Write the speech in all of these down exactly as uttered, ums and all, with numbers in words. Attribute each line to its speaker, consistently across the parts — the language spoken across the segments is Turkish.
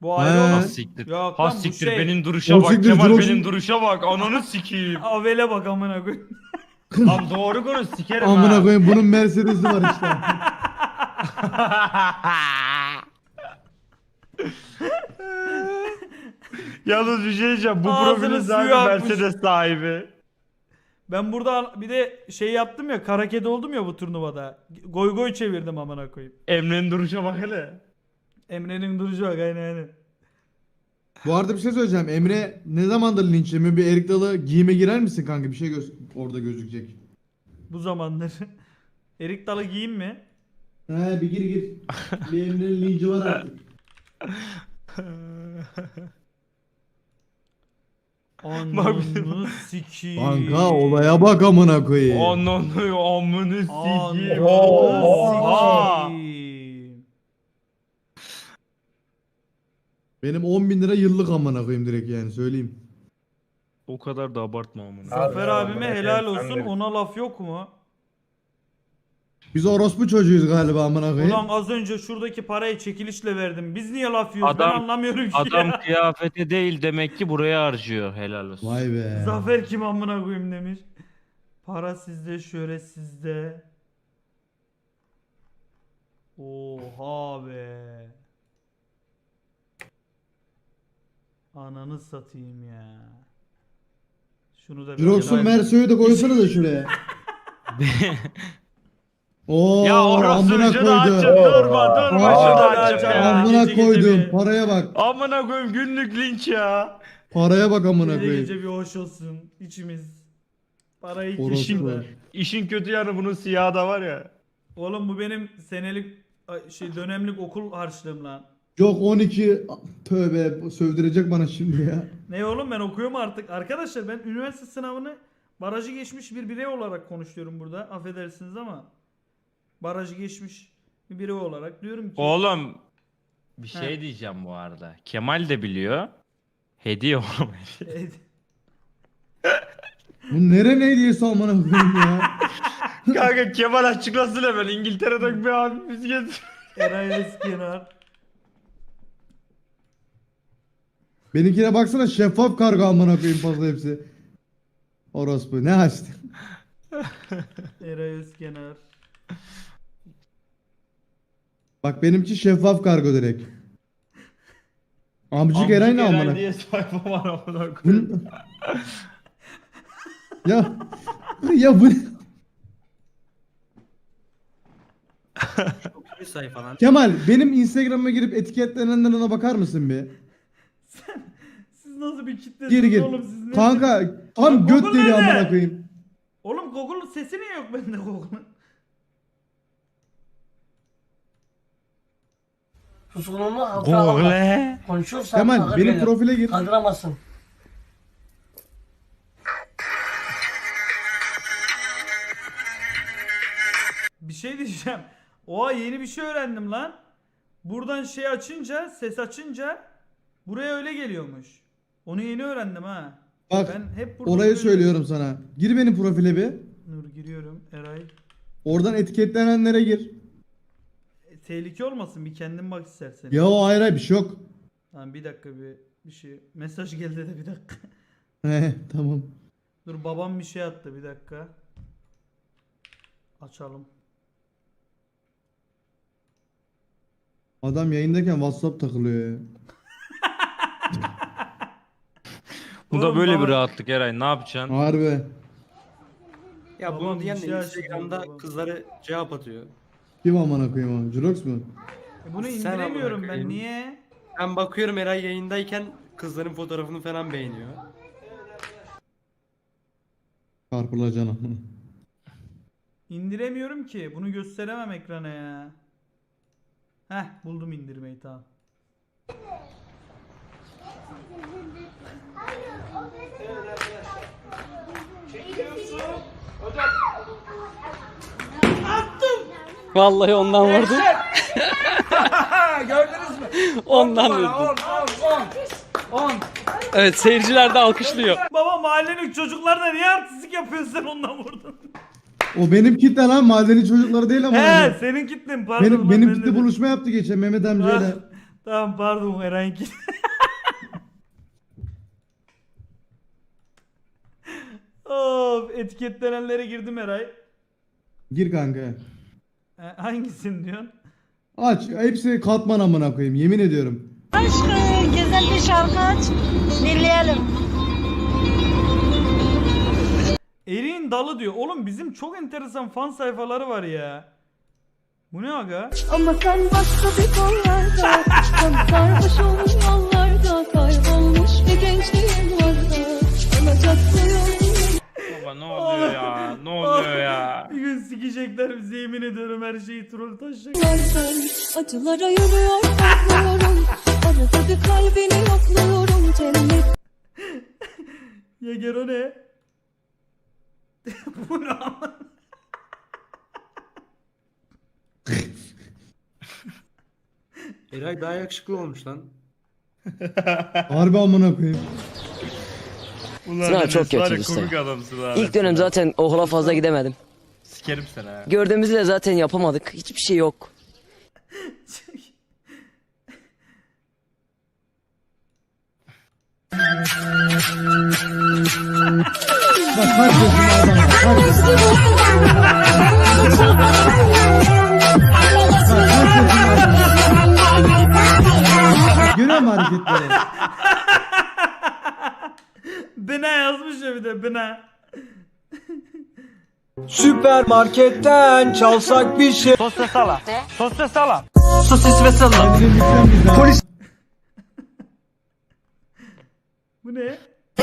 Speaker 1: Bu ayrı
Speaker 2: He.
Speaker 1: olan.
Speaker 3: Ha siktir.
Speaker 1: Yok
Speaker 3: Ha
Speaker 1: lan bu
Speaker 3: siktir
Speaker 1: şey.
Speaker 3: benim duruşa
Speaker 2: O
Speaker 3: bak
Speaker 2: siktir,
Speaker 3: Kemal
Speaker 2: Jirox'un-
Speaker 3: benim duruşa bak ananı sikeyim.
Speaker 1: Avele bak amına koyayım.
Speaker 3: Lan doğru konuş sikerim ha.
Speaker 2: Amına koyayım bunun Mercedes'i var işte.
Speaker 3: Yalnız bir şey diyeceğim. Bu
Speaker 1: Ağzının
Speaker 3: profilin
Speaker 1: suyu
Speaker 3: sahibi
Speaker 1: akmış.
Speaker 3: Mercedes sahibi.
Speaker 1: Ben burada bir de şey yaptım ya, kara kedi oldum ya bu turnuvada. Goy goy çevirdim amına koyayım.
Speaker 3: Emre'nin duruşa bak hele.
Speaker 1: Emre'nin duruşu bak, aynen aynen.
Speaker 2: Bu arada bir şey söyleyeceğim. Emre ne zamandır linç yemiyor? Bir Erik Dalı giyime girer misin kanka? Bir şey göz orada gözükecek.
Speaker 1: Bu zamanlar. Erik Dalı giyeyim mi?
Speaker 2: He bir gir gir. Bir Emre'nin linci var artık.
Speaker 1: Ananı sikiyim.
Speaker 2: Kanka olaya bak amına koyayım.
Speaker 3: Ananı amını sikeyim.
Speaker 1: Ananı
Speaker 3: Oha.
Speaker 1: sikiyim.
Speaker 2: Benim on bin lira yıllık amına koyayım direkt yani söyleyeyim.
Speaker 3: O kadar da abartma amına.
Speaker 1: Zafer
Speaker 4: Abi,
Speaker 1: abime
Speaker 4: amına
Speaker 1: helal
Speaker 4: koyayım,
Speaker 1: olsun,
Speaker 4: sen de-
Speaker 1: ona laf yok mu?
Speaker 2: Biz orospu çocuğuyuz galiba amına koyayım.
Speaker 1: Ulan az önce şuradaki parayı çekilişle verdim. Biz niye laf yiyoruz?
Speaker 3: Adam-
Speaker 1: ben anlamıyorum ki
Speaker 3: Adam
Speaker 1: ya.
Speaker 3: kıyafeti değil demek ki buraya harcıyor helal olsun.
Speaker 2: Vay be.
Speaker 1: Zafer kim amına koyayım demiş. Para sizde, şöyle sizde. Oha be. Ananı satayım ya. Şunu da bir
Speaker 2: Jirox'un
Speaker 1: kenara-
Speaker 2: Merso'yu da koysana da şuraya. Oo,
Speaker 3: Ya orası
Speaker 2: amına
Speaker 3: şunu
Speaker 2: koydum.
Speaker 3: açıp durma durma
Speaker 2: Aa,
Speaker 3: şunu
Speaker 1: ya,
Speaker 3: açıp
Speaker 1: ya.
Speaker 3: ya.
Speaker 2: Amına
Speaker 1: Gece gece
Speaker 2: koydum.
Speaker 1: bir-
Speaker 2: Paraya bak.
Speaker 3: Amına koyayım günlük linç ya.
Speaker 2: Paraya bak amına
Speaker 1: Gece
Speaker 2: koyayım.
Speaker 1: gece bir hoş olsun içimiz. Parayı
Speaker 2: Orospu.
Speaker 1: kişinde.
Speaker 3: İşin kötü yanı bunun siyahı da var ya.
Speaker 1: Oğlum bu benim senelik ay, şey dönemlik okul harçlığım lan.
Speaker 2: Yok on iki tövbe sövdürecek bana şimdi ya.
Speaker 1: Ne oğlum, ben okuyorum artık. Arkadaşlar ben üniversite sınavını barajı geçmiş bir birey olarak konuşuyorum burada. Affedersiniz ama barajı geçmiş bir birey olarak diyorum ki
Speaker 3: Oğlum bir şey
Speaker 1: He.
Speaker 3: diyeceğim bu arada. Kemal de biliyor. Hediye oğlum.
Speaker 2: Bu nere ne hediyesi amına koyayım ya.
Speaker 3: Kanka Kemal açıklasın hemen İngiltere'den bir abimiz getir.
Speaker 1: Eray Özkenar.
Speaker 2: Benimkine baksana şeffaf kargo amına koyayım fazla hepsi. Orospu ne açtı?
Speaker 1: Eray Özkenar.
Speaker 2: Bak benimki şeffaf kargo direkt. Amcık Eray ne amına?
Speaker 3: diye sayfa var amına
Speaker 2: Bu-
Speaker 3: koyayım.
Speaker 2: ya ya bu
Speaker 5: Bir sayfa lan.
Speaker 2: Kemal benim Instagram'a girip etiketlenenlerine bakar mısın bir?
Speaker 1: Siz nasıl bir kitlesiniz
Speaker 2: Gir gir.
Speaker 1: oğlum, siz ne?
Speaker 2: Kanka tam
Speaker 1: Lan
Speaker 2: göt
Speaker 1: Google
Speaker 2: deli
Speaker 1: nerede?
Speaker 2: amına koyayım.
Speaker 1: Oğlum Google'un sesi niye yok bende Google'un?
Speaker 6: Suskunluğunu altına alma.
Speaker 3: Google.
Speaker 6: Konuşursan
Speaker 2: Kemal
Speaker 6: ağır
Speaker 2: benim
Speaker 6: gelir.
Speaker 2: profile gir.
Speaker 6: Kaldıramazsın.
Speaker 1: Bir şey diyeceğim. Oha, yeni bir şey öğrendim lan. Buradan şey açınca, ses açınca buraya öyle geliyormuş. Onu yeni öğrendim ha.
Speaker 2: Bak
Speaker 1: Ben hep burada
Speaker 2: orayı
Speaker 1: böyle-
Speaker 2: söylüyorum sana. Gir benim profile bir.
Speaker 1: Nur giriyorum. Eray.
Speaker 2: Oradan etiketlenenlere gir.
Speaker 1: E, tehlike olmasın, bir kendin bak istersen.
Speaker 2: Ya o ayrı ayrı bir şey yok.
Speaker 1: Tamam bir dakika, bir bir şey. Mesaj geldi de bir dakika.
Speaker 2: He tamam.
Speaker 1: Dur, babam bir şey attı, bir dakika. Açalım.
Speaker 2: Adam yayındayken WhatsApp takılıyor ya.
Speaker 3: Bu da
Speaker 1: Oğlum
Speaker 3: böyle
Speaker 1: baba-
Speaker 3: bir rahatlık Eray ne yapacaksın?
Speaker 2: Harbi.
Speaker 5: Ya
Speaker 1: Babam
Speaker 5: bunu
Speaker 1: bir
Speaker 5: diyen
Speaker 1: şey
Speaker 5: de
Speaker 1: açtı
Speaker 5: Instagram'da
Speaker 1: diyor,
Speaker 5: kızları cevap atıyor.
Speaker 2: Kim amına koyayım abi? Jirox mu?
Speaker 1: E bunu
Speaker 5: Sen
Speaker 1: indiremiyorum
Speaker 5: amına
Speaker 1: ben,
Speaker 5: koyayım.
Speaker 1: niye?
Speaker 5: Ben bakıyorum Eray yayındayken kızların fotoğrafını falan beğeniyor.
Speaker 2: Çarpılacaksın amına.
Speaker 1: İndiremiyorum ki. Bunu gösteremem ekrana ya. Heh, buldum indirmeyi, tamam.
Speaker 7: Vallahi ondan vurdum. Gördünüz mü? Ondan vurdum. Evet, seyirciler de alkışlıyor.
Speaker 1: Baba, mahallenin çocuklarına niye artistlik yapıyorsun, sen ondan vurdun?
Speaker 2: O benim kitle lan mahalleli çocukları değil ama.
Speaker 1: He, senin kitlen, pardon.
Speaker 2: Benim,
Speaker 1: lan,
Speaker 2: benim
Speaker 1: ben
Speaker 2: kitle
Speaker 1: de-
Speaker 2: buluşma yaptı geçen Mehmet amcayla.
Speaker 1: Ah, Tamam pardon Eren'ki. Of etiketlenenlere girdim Eray.
Speaker 2: Gir kanka.
Speaker 1: E, hangisini diyorsun?
Speaker 2: Aç. Hepsi katman amına koyayım. Yemin ediyorum.
Speaker 4: Aşkım güzel bir şarkı aç. Dinleyelim.
Speaker 1: Eriğin dalı diyor. Oğlum bizim çok enteresan fan sayfaları var ya. Bu ne aga?
Speaker 4: Ama sen başka bir kollarda. Sen sarhoş olmuş yollarda. Kaybolmuş bir gençliğin varsa. Olacak
Speaker 3: Baba ne oluyor ya? Ne oluyor ya?
Speaker 1: Bir gün sikecekler bizi yemin ediyorum her şeyi troll taşacak.
Speaker 4: yollardan. Acılara yürüyor korkmuyorum. Arada bir kalbini yokluyorum. Cennet.
Speaker 1: Ya Gero ne? Bu ne ama?
Speaker 5: Eray daha yakışıklı olmuş lan.
Speaker 2: Harbi amına koyayım.
Speaker 3: Ulan
Speaker 8: Sınav
Speaker 3: Enes
Speaker 8: çok
Speaker 3: var
Speaker 8: kötüydü
Speaker 3: ya,
Speaker 8: işte.
Speaker 3: komik adamsın ha.
Speaker 8: İlk dönem zaten okula fazla gidemedim.
Speaker 3: Sikerim seni ha.
Speaker 8: Gördüğümüzü de zaten yapamadık. Hiçbir şey yok.
Speaker 2: Bak kaç yaşında adam var. Kaç yaşında. Görüyor musun hareketleri?
Speaker 1: Bina yazmış ya bir de bina.
Speaker 6: Süpermarketten çalsak bir şey.
Speaker 3: Sosyal sala. Sosyal sala.
Speaker 6: Sosis ve salam.
Speaker 2: Kendini lütfen bizden.
Speaker 6: Polis.
Speaker 1: Bu ne?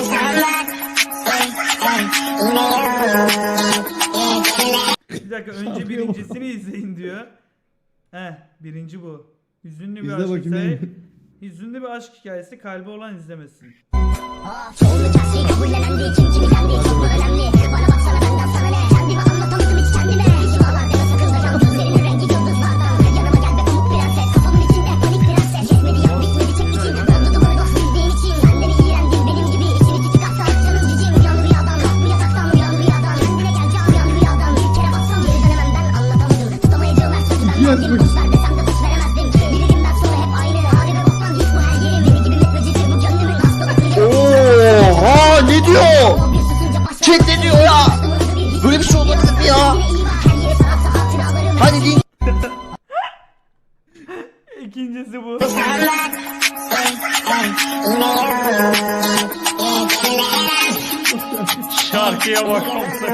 Speaker 1: Bir dakika önce birincisini izleyin diyor. Heh birinci bu. Hüzünlü bir
Speaker 2: İzle
Speaker 1: aşk
Speaker 2: bakayım
Speaker 1: hikayesi.
Speaker 2: neymiş.
Speaker 1: Hüzünlü bir aşk hikayesi kalbi olan izlemesin.
Speaker 2: İki yaş bak.
Speaker 6: Oha ne diyor? Chat ne diyor ya? Böyle bir şey olabilir mi ya? Hadi din.
Speaker 1: İkincisi bu.
Speaker 3: Şarkıya bak.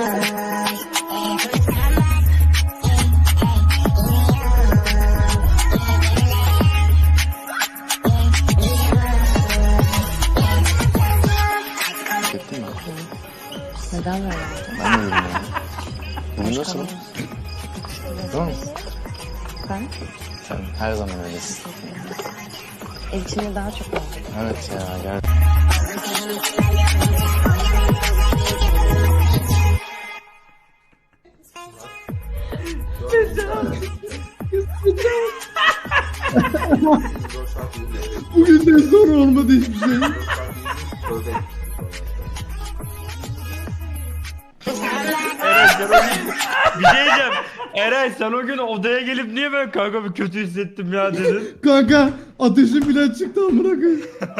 Speaker 9: Neden böyle? Ben de öyle ya. Bugün nasıl? Tamam mı?
Speaker 4: Ben
Speaker 9: Sen her zaman öylesin.
Speaker 4: ev içinde daha çok var.
Speaker 9: Evet ya gel.
Speaker 2: Bugünden sonra olmadı hiçbir şey.
Speaker 3: Bir şey diyeceğim. Eray sen o gün odaya gelip niye ben kanka bir kötü hissettim ya dedin.
Speaker 2: Kanka ateşim bile çıktı amına koyayım.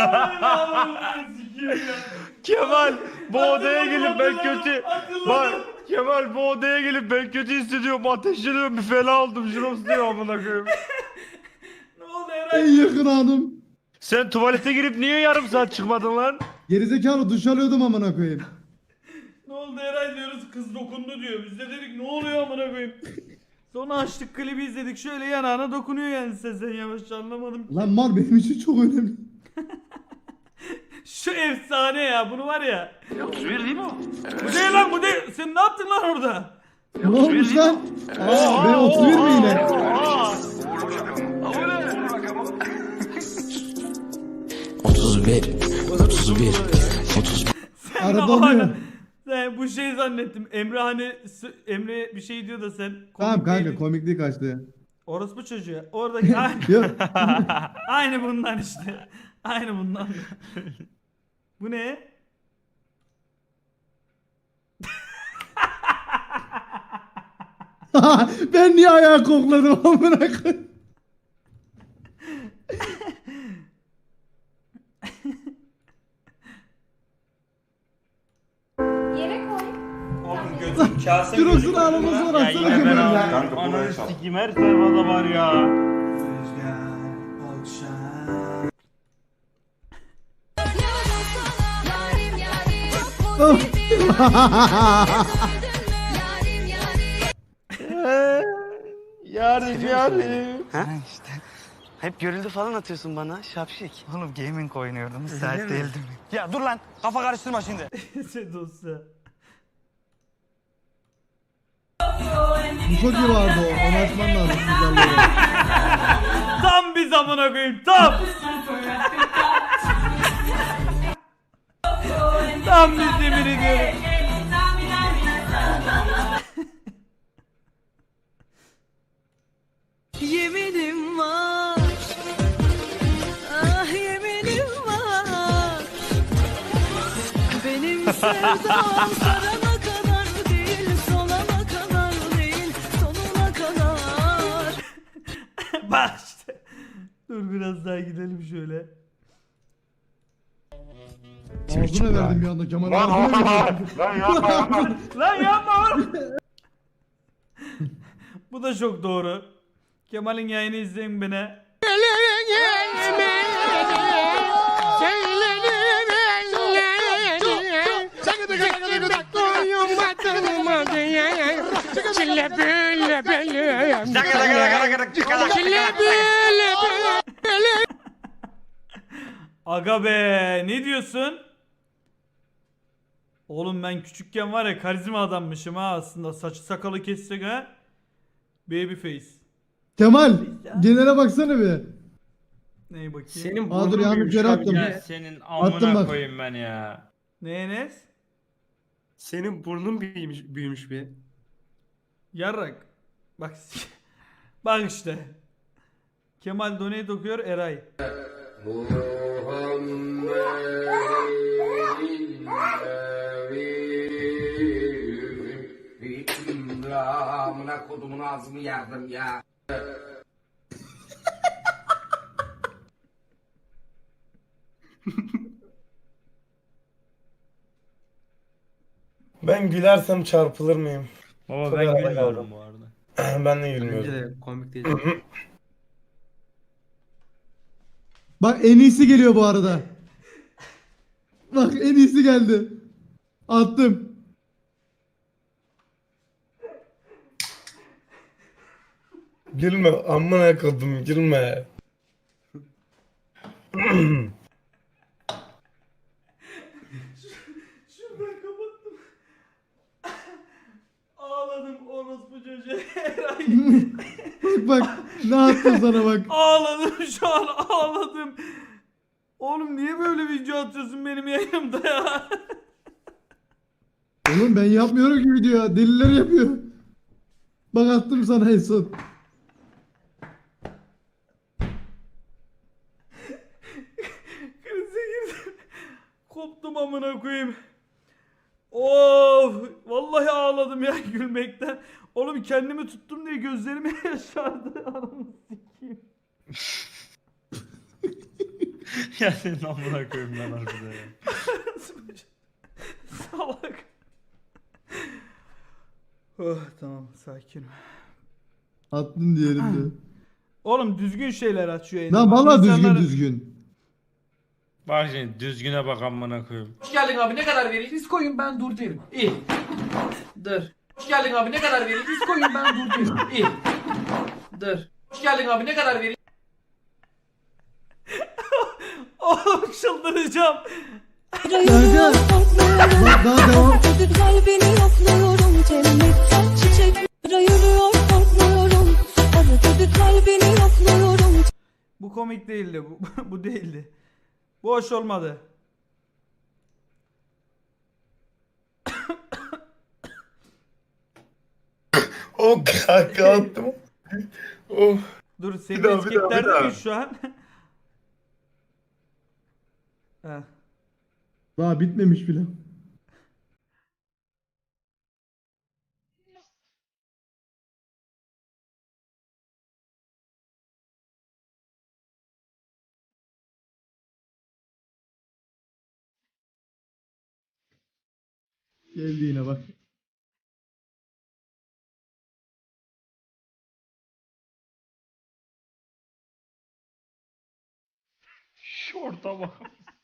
Speaker 3: Kemal bu odaya gelip ben kötü... Bak Kemal bu odaya gelip ben kötü hissediyorum, ateşleniyorum, bir fena oldum, jirops diyor amına koyayım.
Speaker 1: Ne oldu Eray?
Speaker 2: En yakın anım.
Speaker 3: Sen tuvalete girip niye yarım saat çıkmadın lan?
Speaker 2: Gerizekalı duş alıyordum amına koyayım.
Speaker 1: Ne oldu Eray diyoruz kız dokundu diyor. Biz de dedik ne oluyor amına koyayım. Sonra açtık klibi izledik şöyle yanağına dokunuyor yani sen yavaşça anlamadım.
Speaker 2: Lan mal benim için çok önemli.
Speaker 1: Şu efsane ya bunu var ya. otuz bir değil mi o? Bu değil lan bu değil. Sen ne yaptın lan orada?
Speaker 2: Ne olmuş lan? Aa, ben otuz bir mi yine?
Speaker 8: otuz bir. otuz bir. otuz bir.
Speaker 1: Sen
Speaker 2: Arada
Speaker 1: de o
Speaker 2: oluyor.
Speaker 1: ara- Sen bu şey zannettim. Emre hani s- Emre bir şey diyor da sen.
Speaker 2: Tamam
Speaker 1: komik
Speaker 2: kanka
Speaker 1: değildin.
Speaker 2: komikliği kaçtı.
Speaker 1: Orospu çocuğu. Oradaki aynı,
Speaker 2: Yok.
Speaker 1: aynı bundan işte. Aynı bundan. Bu ne?
Speaker 2: Ben niye ayağı kokladım amına koyayım?
Speaker 1: Kase
Speaker 2: Jirox'un ağlaması var
Speaker 3: Ya
Speaker 2: atsana
Speaker 3: yine ben
Speaker 2: Kemal ya.
Speaker 3: ağlıyorum. Ananı sikeyim her sayfada var ya. Yarim yarim.
Speaker 6: Ha işte. Hep görüldü falan atıyorsun bana şapşik. Oğlum gaming oynuyordum. Müsait değildim. Ya dur lan kafa karıştırma şimdi.
Speaker 1: Sen dosya.
Speaker 2: Bu çok iyi vardı o. Onu açman lazım güzelleri.
Speaker 1: Tam bir zamana koyayım tam. Tam bir demir ediyorum.
Speaker 4: Yeminim var, ah yeminim var. Benim sevdam sarana kadar değil, solana kadar değil, sonuna kadar.
Speaker 1: Bak işte. Dur biraz daha gidelim şöyle.
Speaker 2: Ağzına verdim bir anda Kemal. Ağzına verdim.
Speaker 1: Lan yapma oğlum. Bu da çok doğru. Kemal'in yayını izleyin beni. Aga be ne diyorsun? Oğlum ben küçükken var ya karizma adammışım ha aslında saçı sakalı kessek ha. Babyface.
Speaker 2: Kemal genele baksana bir.
Speaker 1: Neye bakayım?
Speaker 5: Senin
Speaker 2: Aa, dur,
Speaker 5: burnun
Speaker 2: yanlış
Speaker 5: büyümüş
Speaker 2: yere
Speaker 5: abi
Speaker 2: attım.
Speaker 5: ya.
Speaker 3: Ya senin
Speaker 2: Attım
Speaker 3: amına
Speaker 2: bak.
Speaker 3: koyayım ben ya.
Speaker 1: Ne Enes?
Speaker 5: Senin burnun büyümüş, büyümüş bir.
Speaker 1: Yarrak. Bak bak işte. Kemal donate okuyor Eray.
Speaker 6: Amına kodumun ağzımı yardım ya.
Speaker 10: Ben gülersem çarpılır mıyım?
Speaker 3: Baba
Speaker 10: Çok
Speaker 3: ben
Speaker 10: arada
Speaker 3: gülmüyorum
Speaker 10: kaldım.
Speaker 3: bu arada.
Speaker 10: Ben de
Speaker 5: Bence
Speaker 10: gülmüyorum.
Speaker 5: de komik değil.
Speaker 2: Bak en iyisi geliyor bu arada. Bak en iyisi geldi. Attım.
Speaker 10: Gülme amına kodum gülme.
Speaker 1: Şuradan kapattım. Ağladım orospu çocuğu Eray.
Speaker 2: Bak bak ne attım sana bak.
Speaker 1: Ağladım şu an ağladım. Oğlum niye böyle video atıyorsun benim yayınımda ya?
Speaker 2: Oğlum ben yapmıyorum ki video ya. Deliler yapıyor. Bak attım sana en son.
Speaker 1: Krize girdim. Koptum amına koyayım. Of, vallahi ağladım ya gülmekten. Oğlum kendimi tuttum diye gözlerime yaşardı. Ananı sikeyim.
Speaker 3: Ya senin amına koyayım ben harbiden ya.
Speaker 1: Salak. Oh, tamam sakin.
Speaker 2: Attın diğerinde.
Speaker 1: Oğlum düzgün şeyler açıyor.
Speaker 2: Lan valla düzgün
Speaker 1: İnsanları-
Speaker 2: düzgün.
Speaker 3: Bak şimdi düzgüne bak amına koyayım.
Speaker 11: Hoş geldin abi ne kadar vereyim? Siz koyun ben dur derim. İyi. Dur. Hoş geldin abi ne kadar vereyim? Siz koyun ben dur derim. İyi. Dur. Hoş geldin abi ne kadar vereyim?
Speaker 1: Oğlum çıldıracağım.
Speaker 2: Kanka. Bak daha devam.
Speaker 4: Ödül kalbini yokluyorum, cennetten çiçek. Yürüyor korkmuyorum, arada bir kalbini yokluyorum.
Speaker 1: Bu komik değildi. Bu, bu değildi. Bu hoş olmadı.
Speaker 10: O kanka attım. Oh.
Speaker 1: Dur seni
Speaker 10: Bir daha, bir daha, bir
Speaker 1: etiketlerde
Speaker 10: daha.
Speaker 1: miyiz şu an? Heh.
Speaker 2: Daha bitmemiş bile. Geldi yine bak.
Speaker 3: Şorta bak.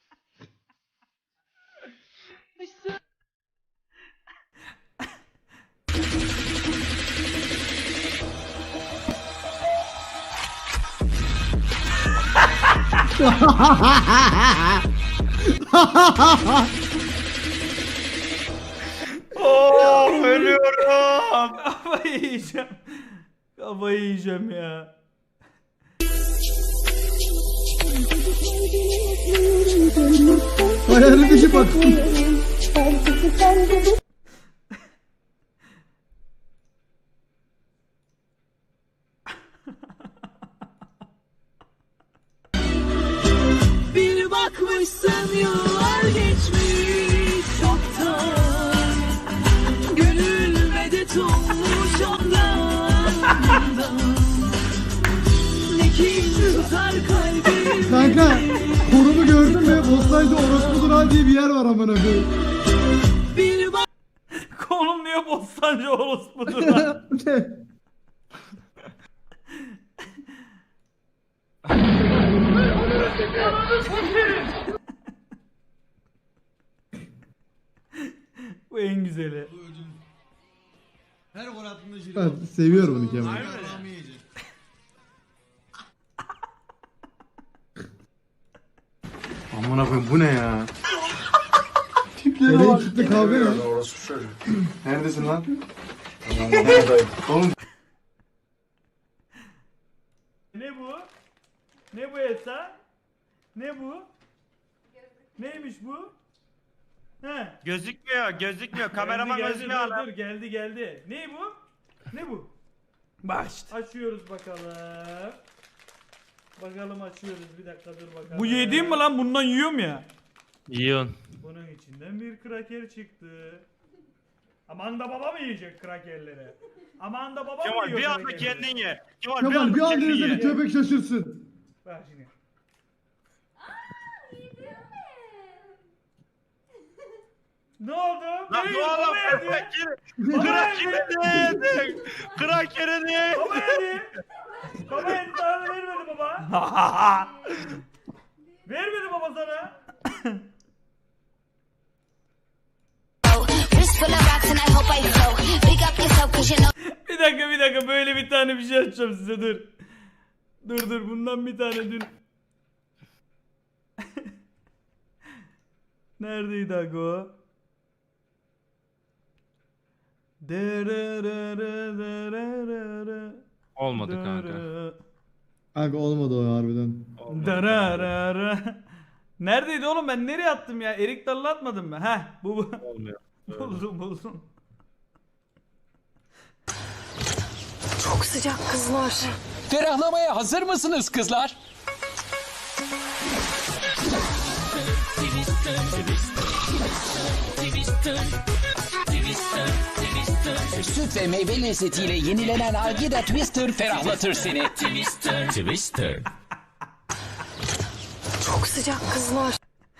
Speaker 3: Oh, ölüyorum.
Speaker 1: Kafayı yiyeceğim. Kafayı yiyeceğim ya.
Speaker 2: Ayarlı dışı bak.
Speaker 4: Bir bakmışsın yıllar geçmiş çoktan. Gönül medet olmuş ondan. Ne kin tutar kalbim.
Speaker 2: Kanka konumu gördün mü? Bostancı Orospudur ha diye bir yer var amına koyayım.
Speaker 4: Bir bak
Speaker 1: Konum niye Bostancı orospudur lan? Bu en güzeli.
Speaker 2: Her gol attığında jüri. Ben seviyorum bunu Kemal.
Speaker 3: Amına koyayım bu ne ya?
Speaker 2: Nereye kitle kavga ne?
Speaker 3: Neredesin lan?
Speaker 1: Ne bu? Ne bu Esa? Ne bu? Neymiş bu? He.
Speaker 3: Gözükmüyor, gözükmüyor. Kameraman
Speaker 1: geldi,
Speaker 3: gözükmüyor
Speaker 1: dur,
Speaker 3: lan.
Speaker 1: dur, geldi geldi. Ne bu? Ne bu? Baş. Açıyoruz bakalım. Bakalım açıyoruz. Bir dakika dur bakalım. Bu yediğim mi lan? Bundan yiyorum ya.
Speaker 3: Yiyorsun.
Speaker 1: Bunun içinden bir kraker çıktı. Aman da baba mı yiyecek krakerleri? Aman da baba mı
Speaker 3: Kemal
Speaker 1: yiyor
Speaker 3: bir anda
Speaker 1: krakerleri?
Speaker 3: kendin ye. Kemal,
Speaker 2: Kemal bir
Speaker 3: anda
Speaker 2: an
Speaker 3: kendin
Speaker 2: denizde
Speaker 3: ye.
Speaker 2: bir köpek şaşırsın.
Speaker 1: Bak şimdi. Ne oldu?
Speaker 3: Lan
Speaker 1: Ne
Speaker 3: ne
Speaker 1: yiyor?
Speaker 3: oğlum?
Speaker 1: Baba yedi.
Speaker 3: Krakeri ne yedin? Krakeri ne yedin?
Speaker 1: Baba yedi. Baba yedi sana da vermedi baba. Vermedi baba sana. Bir dakika bir dakika böyle bir tane bir şey açacağım size dur. Dur dur bundan bir tane dün. Neredeydi aga o?
Speaker 3: Olmadı kanka.
Speaker 2: Kanka olmadı o harbiden.
Speaker 1: Dararara. Neredeydi oğlum ben nereye attım ya? Erik Dalı'nı atmadım mı? Heh bu bu.
Speaker 3: Olmuyor.
Speaker 1: buldum buldum.
Speaker 4: çok sıcak kızlar.
Speaker 8: Ferahlamaya hazır mısınız kızlar? Süt ve meyve lezzetiyle yenilenen Algida Twister ferahlatır seni. Twister. Twister.
Speaker 4: Çok sıcak kızlar.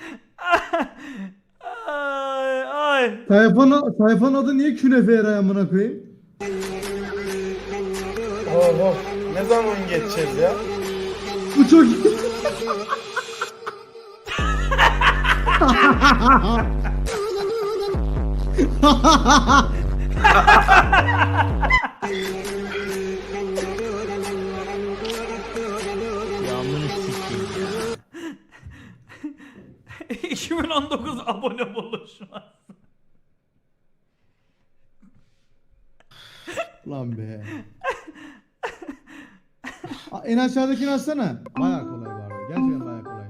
Speaker 1: Ay ay.
Speaker 2: Sayfanın, sayfanın adı niye künefe yaray amına koyayım?
Speaker 10: Oh oh. Ne zaman geçeceğiz ya?
Speaker 2: Bu çok iyi.
Speaker 1: iki bin on dokuz abone buluşması.
Speaker 2: Lan be. Aa, en aşağıdakini açsana. Bayağı kolay bu arada. Gerçekten bayağı kolay.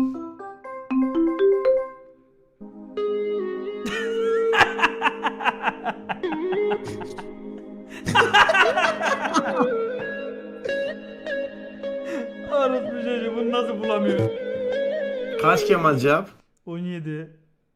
Speaker 1: Arası bir şey bunu nasıl bulamıyor?
Speaker 10: Kaç Kemal cevap?
Speaker 1: on yedi.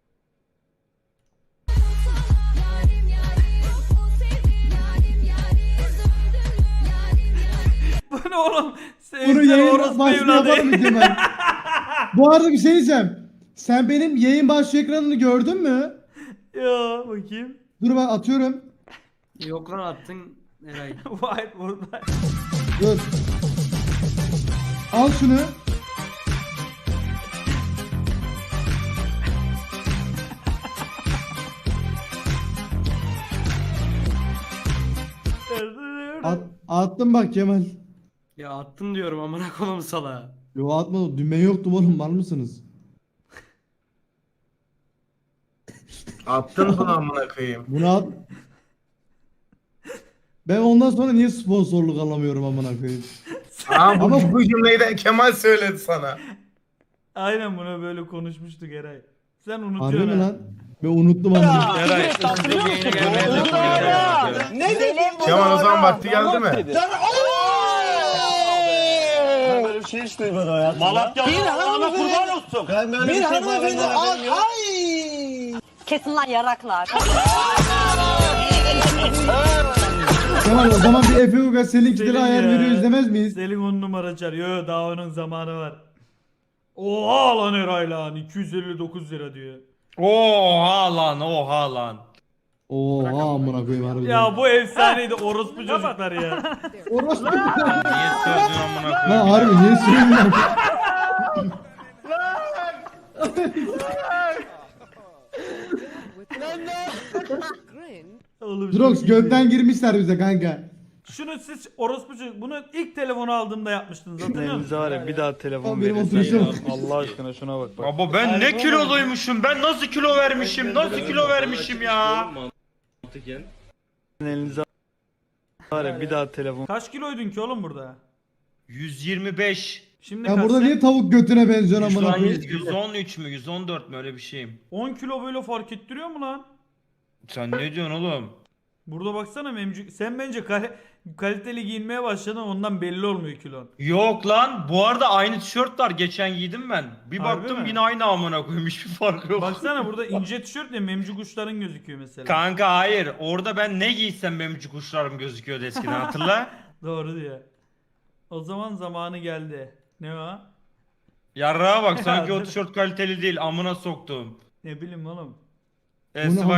Speaker 1: Bu ne oğlum?
Speaker 2: Bunu
Speaker 1: Sevgili
Speaker 2: yayın
Speaker 1: orospu
Speaker 2: başlığı
Speaker 1: evladı.
Speaker 2: yapalım mı Kemal? Bu arada bir şey diyeceğim. Sen benim yayın başlığı ekranını gördün mü?
Speaker 1: Ya bakayım.
Speaker 2: Dur bak atıyorum.
Speaker 5: Yok lan attın Eray.
Speaker 1: Whiteboard'da.
Speaker 2: Dur. Al şunu. Attım bak Kemal.
Speaker 5: Ya attın diyorum amına koyayım sala.
Speaker 2: Yo atmadım. Dün ben yoktum oğlum, var mısınız?
Speaker 10: Attın bunu amına koyayım.
Speaker 2: Bunu at. Ben ondan sonra niye sponsorluk alamıyorum amına koyayım?
Speaker 10: Aa bu,
Speaker 2: Ama-
Speaker 10: bu cümleyi de Kemal söyledi sana.
Speaker 1: Aynen bunu böyle konuşmuştuk Eray. Sen
Speaker 2: Harbi
Speaker 1: unutuyorsun
Speaker 2: mi
Speaker 1: ha.
Speaker 2: lan? Ben unuttum amına.
Speaker 3: Eray.
Speaker 9: Ne dedim?
Speaker 10: Kemal o zaman vakti geldi mi?
Speaker 9: Ben böyle bir şey hiç duymadım hayatımda. Malatya Allah kurban olsun. Ben böyle bir, bir şey hanımefendi ay.
Speaker 4: Kesin lan yaraklar.
Speaker 2: Kemal o zaman bir Efe Ugas Selin Kidil'e
Speaker 1: Selin
Speaker 2: ayar
Speaker 1: ya.
Speaker 2: veriyor, izlemez miyiz?
Speaker 1: Selin on numara çağırıyor. Yo, daha onun zamanı var. Oha lan Eray lan. iki yüz elli dokuz lira diyor.
Speaker 3: Oha lan oha lan.
Speaker 2: Oha amına koyayım harbiden.
Speaker 1: Ya bu efsaneydi orospu çocuklar ya.
Speaker 2: Orospu.
Speaker 3: Niye sövdün amına
Speaker 2: Lan
Speaker 3: koyayım?
Speaker 2: harbi niye söylüyorsun?
Speaker 1: Oğlum
Speaker 2: Drox
Speaker 1: çok iyi.
Speaker 2: gökten girmişler bize kanka.
Speaker 1: Şunu siz orospu çocuk bunu ilk telefonu aldığımda yapmıştınız hatırlıyor musunuz?
Speaker 3: var ya bir daha telefon
Speaker 2: Oğlum benim
Speaker 3: verirsen
Speaker 2: oturuşum.
Speaker 3: ya. Allah aşkına şuna bak bak. Baba ben ne kiloluymuşum? Ben nasıl kilo vermişim? Nasıl kilo vermişim ya? Elinize var ya bir daha telefon.
Speaker 1: Kaç kiloydun ki oğlum burada?
Speaker 3: yüz yirmi beş.
Speaker 1: Şimdi
Speaker 2: Ya
Speaker 1: kaçsın?
Speaker 2: burada niye tavuk götüne benziyor amına koyayım?
Speaker 3: yüz on üç mü? yüz on dört mü? Öyle bir şeyim.
Speaker 1: on kilo böyle fark ettiriyor mu lan?
Speaker 3: Sen ne diyorsun oğlum?
Speaker 1: Burada baksana memcük. Sen bence kal- kaliteli giyinmeye başladın ondan belli olmuyor kilon.
Speaker 3: Yok lan. Bu arada aynı tişört var. Geçen giydim ben. Bir
Speaker 1: Harbi
Speaker 3: baktım
Speaker 1: mi?
Speaker 3: yine aynı amına koyayım. Hiçbir farkı yok.
Speaker 1: Baksana burada ince tişört ya memcük uçların gözüküyor mesela.
Speaker 3: Kanka hayır. Orada ben ne giysem benim kuşlarım gözüküyordu eskiden hatırla.
Speaker 1: Doğru diyor. O zaman zamanı geldi. Ne o?
Speaker 3: Yarrağa bak sanki
Speaker 1: Ya,
Speaker 3: o tişört kaliteli değil. Amına soktum.
Speaker 1: Ne bileyim oğlum.
Speaker 3: Esma